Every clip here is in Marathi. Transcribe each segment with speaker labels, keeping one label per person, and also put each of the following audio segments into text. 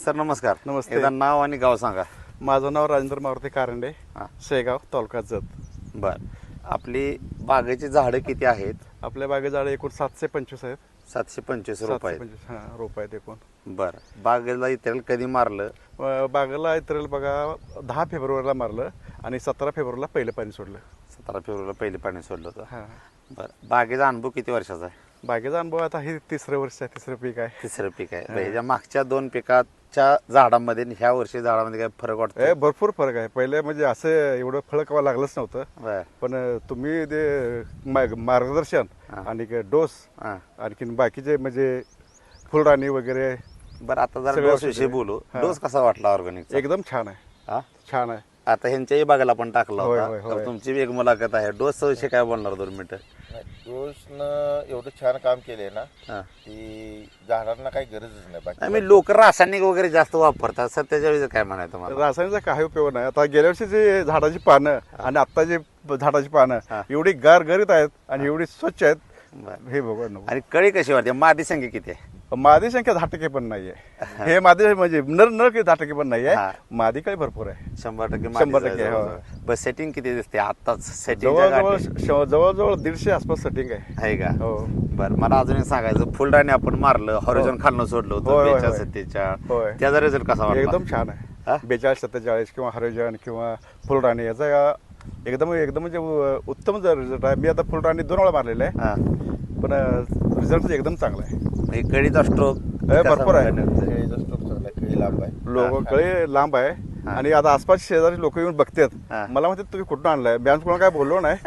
Speaker 1: सर नमस्कार.
Speaker 2: नमस्ते.
Speaker 1: एकदा नाव आणि गाव सांगा.
Speaker 2: माझं नाव राजेंद्र मारुती कारंडे,
Speaker 1: हां.
Speaker 2: शेगाव, तालुका जत.
Speaker 1: बर, आपली बागेची झाडं किती आहेत?
Speaker 2: आपल्या बागे झाडं एकूण 725 आहेत.
Speaker 1: 725 रुपये.
Speaker 2: 725 हां रोप आहेत एकूण.
Speaker 1: बर, बागेला इतर कधी मारलं?
Speaker 2: बागेला इतरेल बघा 10 फेब्रुवारीला मारलं आणि 17 फेब्रुवारीला पहिलं पाणी सोडलं.
Speaker 1: 17 फेब्रुवारीला पहिले पाणी सोडलं होतं.
Speaker 2: हां.
Speaker 1: बर, बागेचा अनुभव किती वर्षाचा आहे?
Speaker 2: बागेचा अनुभव आता हे तिसरं वर्ष आहे, तिसरं पीक आहे.
Speaker 1: तिसरं पीक आहे. बरं, ह्याच्या मागच्या 2 पिकाच्या झाडामध्ये आणि ह्या वर्षी झाडामध्ये काय फरक वाटतो?
Speaker 2: भरपूर फरक आहे. पहिले म्हणजे असं एवढं फळ कवा लागलंच नव्हतं.
Speaker 1: बर.
Speaker 2: पण तुम्ही ते मार्गदर्शन आणि डोस
Speaker 1: हां.
Speaker 2: आणखीन बाकीचे म्हणजे फुलराणी वगैरे
Speaker 1: बरं, आता जरा
Speaker 2: सगळं
Speaker 1: डोस विषयी बोलू.
Speaker 2: हां.
Speaker 1: डोस कसा वाटला ऑर्गॅनिक?
Speaker 2: एकदम छान आहे.
Speaker 1: हा,
Speaker 2: छान आहे.
Speaker 1: आता ह्यांच्याही बागेला पण टाकला
Speaker 2: होय,
Speaker 1: होता.
Speaker 2: होय,
Speaker 1: तर
Speaker 2: होय.
Speaker 1: तुमची बी एक मुलाखत आहे. डोसचा विषय काय बोलणार 2 मिनिटं?
Speaker 3: डोसनं एवढं छान काम केलंय ना
Speaker 1: हां.
Speaker 3: की झाडांना काही गरजच नाही बाकी.
Speaker 1: आम्ही लोक रासायनिक वगैरे जास्त वापरतात सर, त्याच्यावेळी काय म्हणायचं मला?
Speaker 2: रासायनिकचा काही उपयोग नाही. आता गेल्या वर्षी जे झाडाची पानं आणि आता जे झाडाची पानं
Speaker 1: हा.
Speaker 2: एवढी गारगरीत आहेत आणि एवढी स्वच्छ आहेत.
Speaker 1: बरं.
Speaker 2: हे बघा
Speaker 1: आणि कळी कशी वाटते? मादी संख्या किती आहे?
Speaker 2: मादी संख्या 10% पण नाहीये. हे मादी म्हणजे नर नर काही 10% पण नाहीये.
Speaker 1: हा.
Speaker 2: मादी काही भरपूर आहे.
Speaker 1: 100%
Speaker 2: 100%, हो.
Speaker 1: बस सेटिंग किती दिसते आताच? सेटिंग
Speaker 2: जवळजवळ 150 आसपास सेटिंग आहे.
Speaker 1: आहे का?
Speaker 2: हो.
Speaker 1: बरं, मला अजून एक सांगायचं, फुलराणी आपण मारलं, हॉरिझॉन खालनं सोडलं
Speaker 2: होय,
Speaker 1: होतं
Speaker 2: होय,
Speaker 1: 42,
Speaker 2: होय.
Speaker 1: 47.
Speaker 2: होय.
Speaker 1: त्याचा रिझल्ट कसा वाटला?
Speaker 2: एकदम छान
Speaker 1: हा?
Speaker 2: आहे. 42, 47 किंवा हरिजन किंवा फुलराणी याचा एकदम एकदम म्हणजे उत्तम रिझल्ट आहे. मी आता फुलराणी 2 वेळा मारलेला आहे.
Speaker 1: हा.
Speaker 2: पण रिझल्ट एकदम चांगला आहे.
Speaker 1: म्हणजे कळीचा स्ट्रोक
Speaker 2: भरपूर आहे.
Speaker 3: केळीचा स्टोक चांगला आहे, केळी लांब आहे.
Speaker 2: लोक कळे लांब आहे आणि आता आसपास शेजारी लोक येऊन
Speaker 1: हा.
Speaker 2: बघतात. मला म्हणतात तुम्ही कुठून आणलाय? मी कोणाला काय बोललो नाही.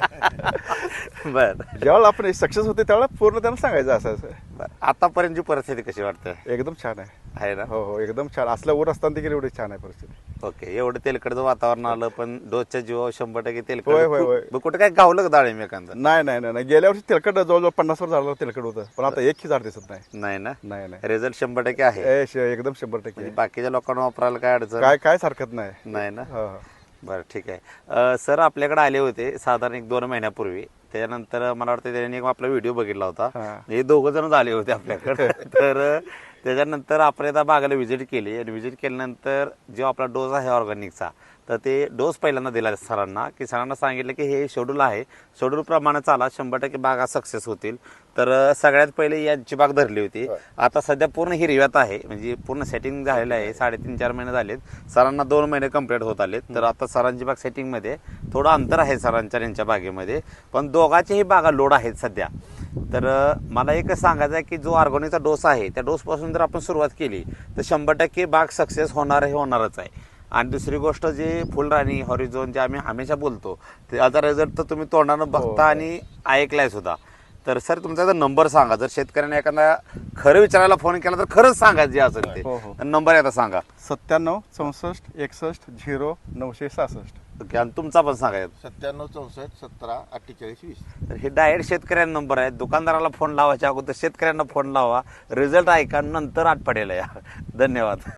Speaker 1: बर.
Speaker 2: ज्यावेळेला आपण सक्सेस होते त्यावेळेला पूर्ण त्यांना सांगायचं असं असं.
Speaker 1: आतापर्यंतची परिस्थिती कशी वाटते?
Speaker 2: एकदम छान आहे.
Speaker 1: आहे ना?
Speaker 2: हो हो एकदम छान. असल्या ऊर असताना देखील एवढी छान आहे परिस्थिती.
Speaker 1: ओके, एवढं तेलकडचं वातावरण आलं पण डोसच्या जीवावर 100% तेलकट.
Speaker 2: होय, होय, होय.
Speaker 1: मग कुठे काय गावलं का डाळिंब एखादं?
Speaker 2: नाही नाही नाही गेल्या वर्षी तेलकट जवळजवळ 50 वर झालं तेलकट होतं. पण आता एकही झाड दिसत नाही.
Speaker 1: नाही ना?
Speaker 2: नाही नाही
Speaker 1: रिझल्ट 100% आहे.
Speaker 2: एकदम 100%
Speaker 1: म्हणजे बाकीच्या लोकांना वापरायला काय अडचण
Speaker 2: काय हरकत नाही.
Speaker 1: नाही ना?
Speaker 2: हो, हो.
Speaker 1: बरं, ठीक आहे. सर आपल्याकडे आले होते साधारण 1-2 महिन्यापूर्वी. त्याच्यानंतर मला वाटतं त्यांनी एक आपला व्हिडिओ बघितला होता.
Speaker 2: हा.
Speaker 1: हे 2 जणच आले होते आपल्याकडे. तर त्याच्यानंतर आपण एकदा बागेला व्हिजिट केली आणि व्हिजिट केल्यानंतर जो आपला डोस आहे ऑर्गॅनिकचा, तर ते डोस पहिल्यांदा दिला सरांना, की सरांना सांगितलं की हे शेड्यूल आहे, शेड्यूलप्रमाणे चाला, 100% बागा सक्सेस होतील. तर सगळ्यात पहिले यांची बाग धरली होती. आता सध्या पूर्ण हिरव्यात आहे, म्हणजे पूर्ण सेटिंग झालेलं आहे. 3.5-4 महिने झालेत. सरांना 2 महिने कंप्लीट होत आलेत. तर आता सरांची बाग सेटिंगमध्ये थोडं अंतर आहे सरांच्या यांच्या बागेमध्ये, पण दोघांचेही बागा लोड आहेत सध्या. तर मला एकच सांगायचं आहे की जो ऑर्गॅनिकचा डोस आहे त्या डोसपासून जर आपण सुरुवात केली तर 100% बाग सक्सेस होणारच आहे. आणि दुसरी गोष्ट जे फुलराणी हॉरिझॉन जे आम्ही हमेशा बोलतो त्याचा रिझल्ट तर तुम्ही तोंडानं बघता आणि ऐकलाय सुद्धा. तर सर तुमचा नंबर सांगा, जर शेतकऱ्याने एखादा खरं विचारायला फोन केला तर खरंच सांगा जे असेल ते.
Speaker 2: हो, हो.
Speaker 1: नंबर आता सांगा.
Speaker 2: 97 64 61 0 966.
Speaker 1: ओके, आणि तुमचा पण सांगा.
Speaker 3: 97 64 17 48 20.
Speaker 1: तर हे डायरेक्ट शेतकऱ्यांना नंबर आहे. दुकानदाराला फोन लावायच्या अगोदर शेतकऱ्यांना फोन लावा, रिझल्ट ऐका, नंतर आठ पडेल या. धन्यवाद.